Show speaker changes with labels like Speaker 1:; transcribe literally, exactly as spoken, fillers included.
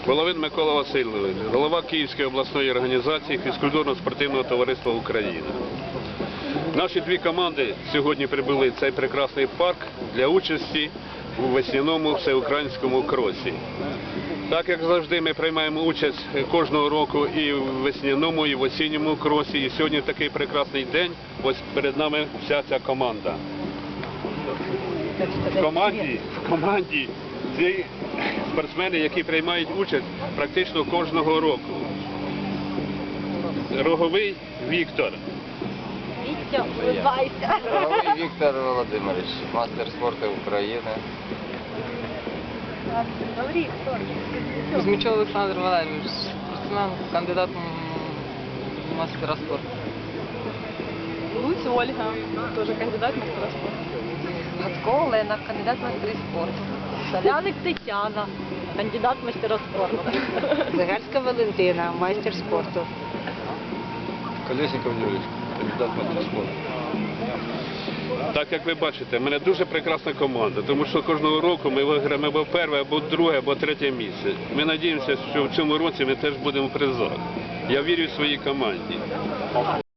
Speaker 1: Головин Микола Васильович, голова Київської обласної організації фізкультурно-спортивного товариства України. Наші дві команди сьогодні прибули в цей прекрасний парк для участі у весняному всеукраїнському кросі. Так як завжди ми приймаємо участь кожного року і в весняному, і в осінньому кросі. І сьогодні в такий прекрасний день, ось перед нами вся ця команда. В команді, в команді ці спортсмени, які приймають участь практично кожного року. Роговий Віктор.
Speaker 2: Вітя, улыбайся.
Speaker 3: Роговий Віктор Володимирович, мастер спорту України.
Speaker 2: Говори, хто?
Speaker 4: Кузьмичев Олександр Валерійович, спортсмен, кандидат в мастера спорту.
Speaker 2: Луць Ольга, теж кандидат в мастера спорту.
Speaker 5: Гацько Олена, кандидат в майстри спорту.
Speaker 2: Соляник Тетяна, кандидат в мастера спорту.
Speaker 5: Загальська Валентина, майстер спорту.
Speaker 3: Колєсніков Юрій, кандидат в майстри спорту.
Speaker 1: Так як ви бачите, в мене дуже прекрасна команда, тому що кожного року ми виграємо або перше, або друге, або третє місце. Ми сподіваємося, що в цьому році ми теж будемо в призах. Я вірю в своїй команді.